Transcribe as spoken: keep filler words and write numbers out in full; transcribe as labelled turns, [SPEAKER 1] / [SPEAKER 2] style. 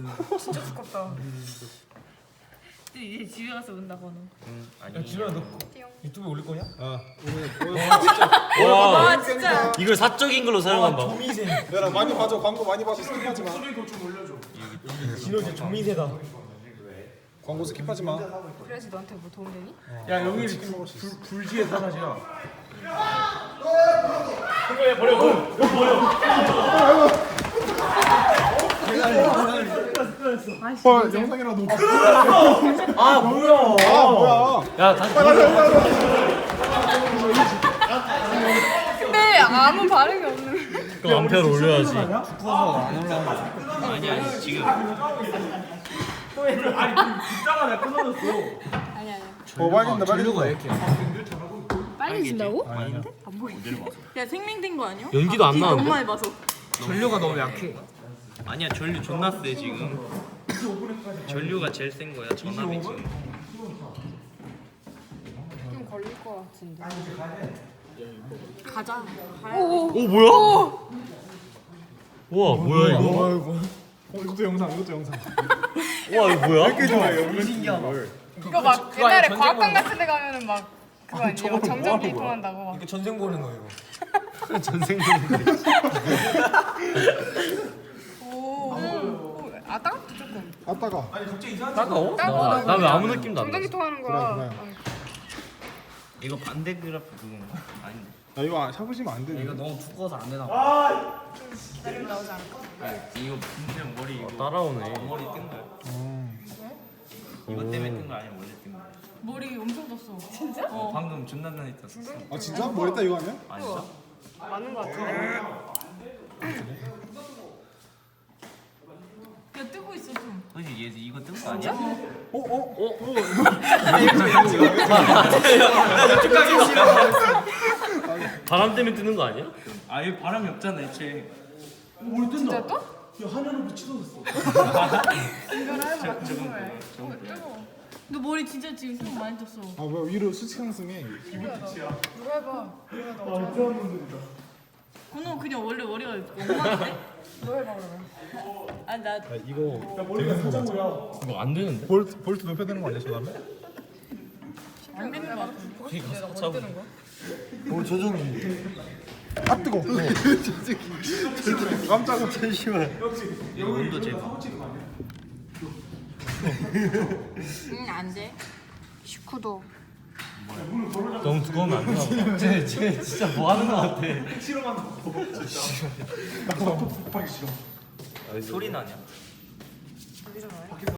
[SPEAKER 1] 진짜 두껍다. 이제 집에 가서 온다 번호.
[SPEAKER 2] 응 아니.
[SPEAKER 3] 야 진우야 너 유튜브에 올릴 거냐?
[SPEAKER 4] 아
[SPEAKER 1] 와 진짜.
[SPEAKER 2] 이걸 사적인 걸로 사용한다.
[SPEAKER 3] 조미세.
[SPEAKER 4] 내가 많이 봐줘. 광고 많이 봐서 스킵하지 마.
[SPEAKER 3] 진우 이제 조미세다.
[SPEAKER 4] 광고 스킵하지 마.
[SPEAKER 1] 그래야지 너한테 뭐 도움 되니?
[SPEAKER 3] 야 여기 불 불지의 사나지야. 그거야 버려 버려 버려.
[SPEAKER 4] 헐 영상이라도.
[SPEAKER 3] 아 뭐야?
[SPEAKER 4] 아 뭐야?
[SPEAKER 3] 야 다시.
[SPEAKER 1] 근데 아무 반응이 없는.
[SPEAKER 2] 그럼 암페어를 올려야지.
[SPEAKER 5] 아니 아니 지금
[SPEAKER 3] 아니 빗자가 내가 끊어졌어.
[SPEAKER 1] 아니 아니.
[SPEAKER 4] 어 빨간다 빨간다.
[SPEAKER 3] 이렇게.
[SPEAKER 1] 빨개진다고?
[SPEAKER 5] 아닌데?
[SPEAKER 1] 안 보여.
[SPEAKER 5] 어디를 봐서?
[SPEAKER 1] 야 생명된 거 아니야?
[SPEAKER 2] 연기도 안
[SPEAKER 1] 너무
[SPEAKER 2] 나는데?
[SPEAKER 1] 많이 봐서.
[SPEAKER 3] 전류가 너무 약해.
[SPEAKER 5] 아니야 전류 존나 세 지금. 전류가 제일 센 거야 전압이 지금.
[SPEAKER 1] 좀 걸릴 거 같은데. 가자.
[SPEAKER 2] 오 뭐야? 우와 뭐야 이거?
[SPEAKER 4] 아이고. 어 이것도 영상 이것도 영상.
[SPEAKER 2] 우와 이거 뭐야?
[SPEAKER 4] 이렇게 좋아해요.
[SPEAKER 3] 신기하다.
[SPEAKER 1] 이거 막
[SPEAKER 3] 그거
[SPEAKER 1] 옛날에
[SPEAKER 3] 전쟁
[SPEAKER 1] 과학관
[SPEAKER 3] 보는
[SPEAKER 1] 같은 데 가면은 막 그거 아니에요? 정전기 통한다고 막.
[SPEAKER 3] 이거 전생 보는 거 이거.
[SPEAKER 2] 전생 보는데.
[SPEAKER 1] 오. 오. 아 따갑다 조금.
[SPEAKER 4] 아따가.
[SPEAKER 2] 따가워?
[SPEAKER 1] 따가워.
[SPEAKER 2] 나 왜 아무 느낌도 안
[SPEAKER 1] 정전기
[SPEAKER 2] 나.
[SPEAKER 1] 통하는 거야.
[SPEAKER 4] 그래, 그래.
[SPEAKER 1] 아니,
[SPEAKER 5] 이거 반대 그래프 그건가? 아닌데.
[SPEAKER 4] 야 이거 잡으시면 안 돼.
[SPEAKER 3] 이거 너무 두꺼워서 안 되나 봐.
[SPEAKER 1] 기다리면 나오지 않을까?
[SPEAKER 5] 이거 진짜 머리 이거
[SPEAKER 2] 따라오네.
[SPEAKER 5] 머리 뜬 거야?
[SPEAKER 4] 어.
[SPEAKER 5] 이거 때문에 뜬 거 아니야 원래 뜬 거야?
[SPEAKER 1] 머리 엄청 떴어. 진짜?
[SPEAKER 5] 어 방금 존나 많이 떴어.
[SPEAKER 4] 아 진짜? 뭐 했다 이거 아니야?
[SPEAKER 5] 아니야?
[SPEAKER 1] 맞는 거 같은데. 야 뜨고 있어 좀.
[SPEAKER 5] 그지 얘 이거 뜬 거 아니야?
[SPEAKER 4] 어 어?
[SPEAKER 2] 바람 때문에 뜨는 거 아니야?
[SPEAKER 5] 아 이거 바람이 없잖아 애초에.
[SPEAKER 1] 진짜 또?
[SPEAKER 3] 야 하늘로 비치어졌어.
[SPEAKER 1] 이걸 하는 거 같은 거야. 어 뜨거워. 너 머리 진짜 지금 좀 많이 떴어.
[SPEAKER 4] 아 뭐야 위로 수직 상승해.
[SPEAKER 1] 누가 해봐. 누가 너. 건우 그냥 원래 머리가 엉망인데? 너 해봐 그러면. 아나
[SPEAKER 4] 야 이거
[SPEAKER 3] 머리가 살짝 뭐야?
[SPEAKER 2] 이거 안 되는데?
[SPEAKER 4] 볼트 볼트 높여야 되는 거 아니야 저 다음에?
[SPEAKER 1] 안 되는 거 같은데.
[SPEAKER 2] 거기 가서 같이 하고.
[SPEAKER 4] 오 조정이. 아 뜨거. 깜짝이야.
[SPEAKER 2] 잠시만.
[SPEAKER 5] 이거 온도 재봐.
[SPEAKER 1] 응 안 돼. 십구 도.
[SPEAKER 2] 너무 두꺼우면 안 되나 보다. 쟤, 쟤 진짜 뭐 하는 거 같아.
[SPEAKER 5] 소리 나냐?